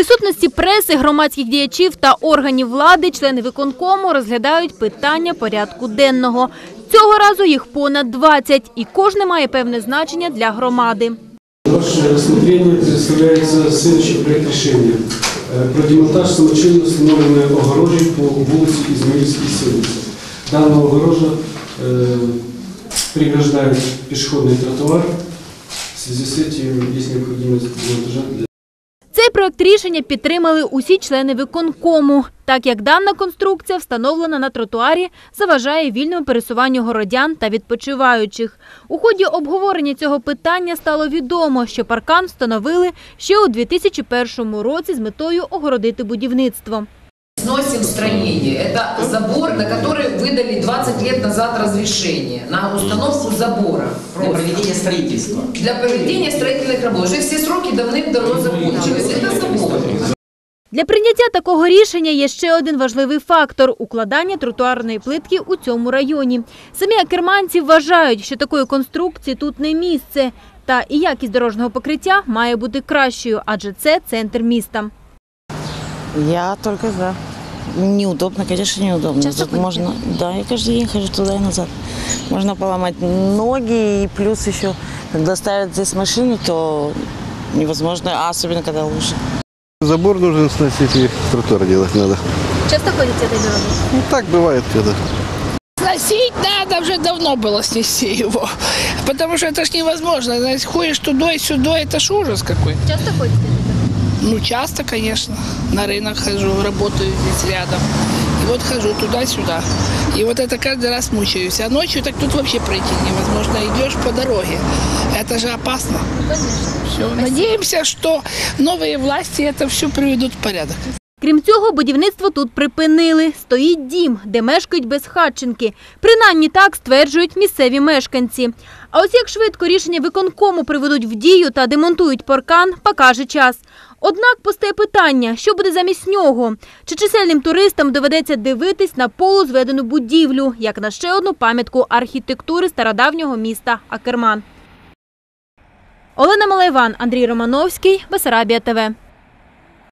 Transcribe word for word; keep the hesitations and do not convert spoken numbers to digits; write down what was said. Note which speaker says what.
Speaker 1: присутності преси, громадських діячів та органів влади члени виконкому розглядають питання порядку денного. Цього разу їх понад двадцять, і кожне має певне значення для громади.
Speaker 2: Ваше розслідування представляється слідчий проєкт рішення про демонтаж самочинно встановленої огорожі по вулиці Ізмаїльській, сімдесят. Дана огорожа э, преграждает пешеходный тротуар. В связи с этим есть необходимость демонтажа для...
Speaker 1: Цей проект рішення підтримали усі члени виконкому, так як дана конструкція, встановлена на тротуарі, заважає вільному пересуванню городян та відпочиваючих. У ході обговорення цього питання стало відомо, що паркан встановили ще у дві тисячі першому році з метою огородити будівництво.
Speaker 3: Сносим строение. Это забор, на который выдали двадцать лет назад разрешение на установку забора.
Speaker 4: Для проведения строительства.
Speaker 3: Для проведения строительных работ. Уже все сроки давным-давно закончились. Это забор.
Speaker 1: Для прийняття такого рішення є ще один важливий фактор – укладання тротуарної плитки у цьому районі. Самі акерманці вважають, що такої конструкції тут не місце. Та і якість дорожнього покриття має бути кращою, адже це центр міста.
Speaker 5: Я только за. Неудобно, конечно, неудобно.
Speaker 1: Часто
Speaker 5: Тут можно, да, я каждый день хожу туда и назад. Можно поломать ноги, и плюс еще, когда ставят здесь машину, то невозможно, а особенно когда лужи.
Speaker 6: Забор нужно сносить и тротуар делать надо.
Speaker 1: Часто ходите этой дорогой?
Speaker 6: Ну так бывает когда.
Speaker 7: Сносить надо, уже давно было снести его, потому что это ж невозможно. Знаете, ходишь туда и сюда, это ж ужас какой.
Speaker 1: Часто ходите?
Speaker 7: Ну, часто, конечно. На рынок хожу, работаю здесь рядом. И вот хожу туда-сюда. И вот это каждый раз мучаюсь. А ночью так тут вообще пройти невозможно. Идешь по дороге. Это же опасно. Все. Надеемся, что новые власти это все приведут в порядок.
Speaker 1: Крім цього, будівництво тут припинили. Стоїть дім, де мешкають безхатченки. Принаймні так стверджують місцеві мешканці. А ось як швидко рішення виконкому приведуть в дію та демонтують паркан, покаже час. Однак постає питання, що буде замість нього? Чи чисельним туристам доведеться дивитись на полузведену будівлю, як на ще одну пам'ятку архітектури стародавнього міста Акерман? Олена Малайван, Андрій Романовський, Бессарабія ТВ.